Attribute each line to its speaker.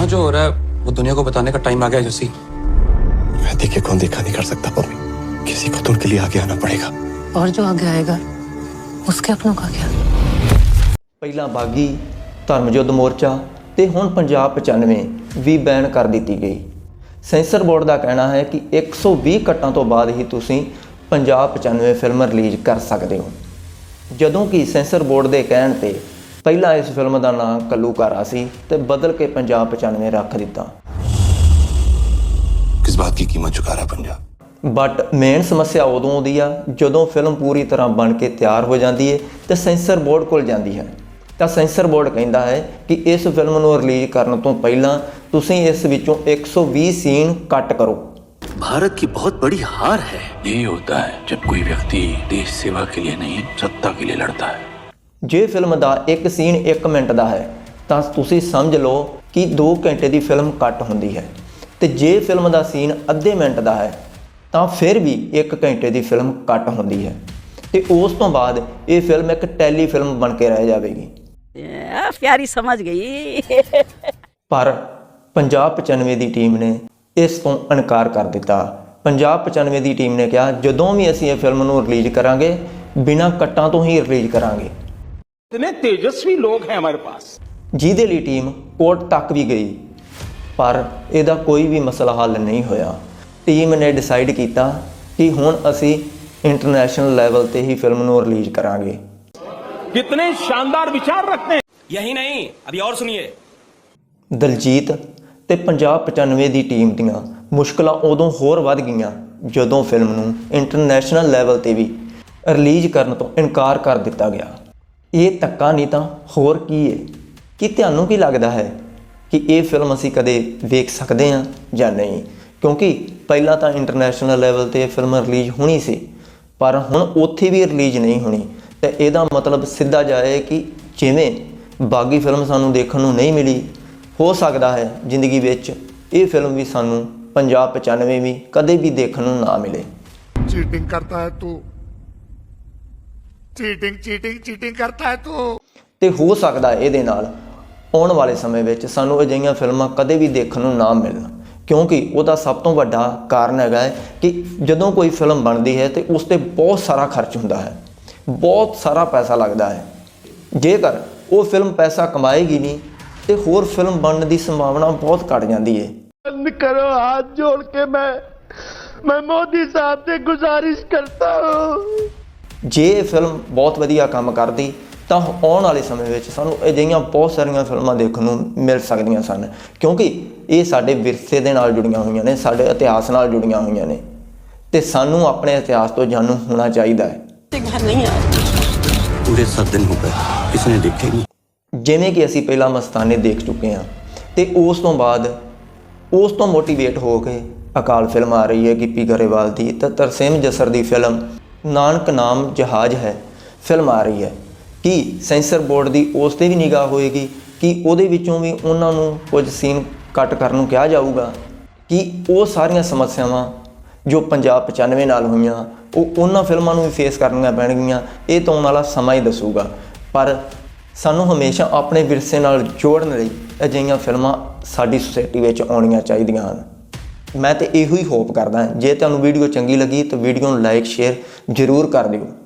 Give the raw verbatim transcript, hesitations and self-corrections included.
Speaker 1: यहाँ जो हो रहा है वो दुनिया को बताने का टाइम आ गया जसी।
Speaker 2: मैं देखे कौन देखा नहीं कर सकता पम्मी, किसी को तो उनके लिए आगे आना पड़ेगा।
Speaker 3: और जो आगे आएगा उसके अपनों का क्या?
Speaker 4: ਪਹਿਲਾਂ ਬਾਗੀ ਧਰਮ ਯੁੱਧ ਮੋਰਚਾ ਤੇ ਹੁਣ ਪੰਜਾਬ ਪਚਾਨਵੇਂ ਵੀ ਬੈਨ ਕਰ ਦਿੱਤੀ ਗਈ। ਸੈਂਸਰ ਬੋਰਡ ਦਾ ਕਹਿਣਾ ਹੈ ਕਿ ਇੱਕ ਸੌ ਵੀਹ ਕੱਟਾਂ ਤੋਂ ਬਾਅਦ ਹੀ ਤੁਸੀਂ ਪੰਜਾਬ ਪਚਾਨਵੇਂ ਫਿਲਮ ਰਿਲੀਜ਼ ਕਰ ਸਕਦੇ ਹੋ, ਜਦੋਂ ਕਿ ਸੈਂਸਰ ਬੋਰਡ ਦੇ ਕਹਿਣ ਤੇ ਪਹਿਲਾਂ ਇਸ ਫਿਲਮ ਦਾ ਨਾਂ ਕੱਲੂਕਾਰਾ ਸੀ ਤੇ ਬਦਲ ਕੇ ਪੰਜਾਬ ਪਚਾਨਵੇਂ ਰੱਖ ਦਿੱਤਾ।
Speaker 2: किस बात की कीमत चुका रहा पंजाब?
Speaker 4: बट मेन समस्या उदों आउंदी आ जदों फिल्म पूरी तरह बन के तैयार हो जाती है तो सेंसर बोर्ड कोल जाती है, तो सेंसर बोर्ड कहता है कि इस फिल्म को रिलीज करने तो पहला तुसीं इस विचों एक सौ बीस सीन कट करो।
Speaker 5: भारत की बहुत बड़ी हार है। यही होता है जब कोई व्यक्ति देश सेवा के लिए नहीं सत्ता के लिए लड़ता है।
Speaker 4: जे फिल्म का एक सीन एक मिनट का है तो तुसीं समझ लो कि दो घंटे की फिल्म कट होंदी है, तो जे फिल्म का सीन अद्धे मिनट का है तो फिर भी एक घंटे की फिल्म कट होंदी है, तो उस तो बाद ये फिल्म एक टैली फिल्म बन के रह जाएगी।
Speaker 3: प्यारी समझ गई।
Speaker 4: पर पंजाब पचानवे की टीम ने इस तो इनकार कर दिता। पंजाब पचानवे की टीम ने कहा जदों भी असीं ये फिल्म नूं रिलीज करांगे बिना कट्टां तो ही रिलीज करांगे।
Speaker 6: इतने तेजस्वी लोग हैं हमारे पास,
Speaker 4: जिहदे लई टीम कोर्ट तक भी गई पर ਇਹਦਾ कोई भी मसला हल नहीं होया। टीम ने डिसाइड किया कि हुण असी इंटरनेशनल लैवल ते ही फिल्म नूं रिलीज करांगे।
Speaker 6: कितने शानदार विचार रखते हैं।
Speaker 7: यही नहीं, अभी और सुनिए।
Speaker 4: दलजीत ते पंजाब पचानवे की टीम दीआं मुश्किलां उदों होर वध गईआं जदों फिल्म नूं इंटरनेशनल लैवल ते भी रिलीज करन तो इनकार कर दिता गया। ये धक्का नहीं तो होर की है? कि तुहानूं की लगदा है कि ये फिल्म असी कदे वेख सकते हैं या नहीं? क्योंकि पहला तो इंटरनेशनल लैवल ते फिल्म रिलीज होनी सी पर हुण उत्थे भी रिलीज नहीं होनी, तो यदा मतलब सीधा जाए कि जिवें बागी फिल्म सानू देखण नूं नहीं मिली, हो सकता है जिंदगी विच ये फिल्म भी सानू पंजाब पचानवे भी कदे भी देखण नूं ना मिले।
Speaker 8: चीटिंग करता है तू, चीटिंग चीटिंग चीटिंग करता है तू।
Speaker 4: तो हो सकता है ये नाल आने वाले समय में सानू अजिहियां फिल्मां कदे भी देखण नूं ना मिलण, क्योंकि उसका सब तो वड्डा कारण है कि जदों कोई फिल्म बनती है तो उस पर बहुत सारा खर्च होंदा है, बहुत सारा पैसा लगता है। जेकर वो फिल्म पैसा कमाएगी नहीं तो होर फिल्म बनने की संभावना बहुत घट जाती है।
Speaker 8: बंद करो, हाथ जोड़ के मैं मैं मोदी साहब से गुजारिश करता हूँ।
Speaker 4: जे फिल्म बहुत वधिया काम करती तो आने वाले समय में सानू अजिहियां बहुत सारिया फिल्मां देखण नूं मिल सकदियां सन, क्योंकि ये साडे विरसे दे नाल जुड़ियां होईयां ने, साडे इतिहास नाल जुड़ियां होईयां ने, ते सानू अपने इतिहास तो जानू होना चाहिए है।
Speaker 5: पूरे सात दिन हो गए किसने देखे नहीं।
Speaker 4: जिवें कि असीं पहला मस्ताने देख चुके हैं, तो उस तो बाद उस तो मोटिवेट हो के अकाल फिल्म आ रही है गिप्पी गरेवाल की, तो तरसेम जसर की फिल्म नानक नाम जहाज है फिल्म आ रही है। कि सेंसर बोर्ड की उस पर भी निगाह होएगी कि उहदे विचों भी उन्होंने कुछ सीन कट करन नूं कहा जाऊगा, कि वो सारियां समस्यावां जो पंजाब पचानवे नाल होईयां वो उन्हां फिल्मां नूं भी फेस करनियां पैणगीआं। ये तो आउण वाला समा ही दसूगा, पर सानू हमेशा अपने विरसे नाल जोड़न लई अजिहियां फिल्मां साडी सोसाइटी विच आउणियां चाहीदियां हन। मैं तो इहो ही होप करदा, जे तुहानूं वीडियो चंगी लगी तो वीडियो नूं लाइक शेयर जरूर कर दिओ।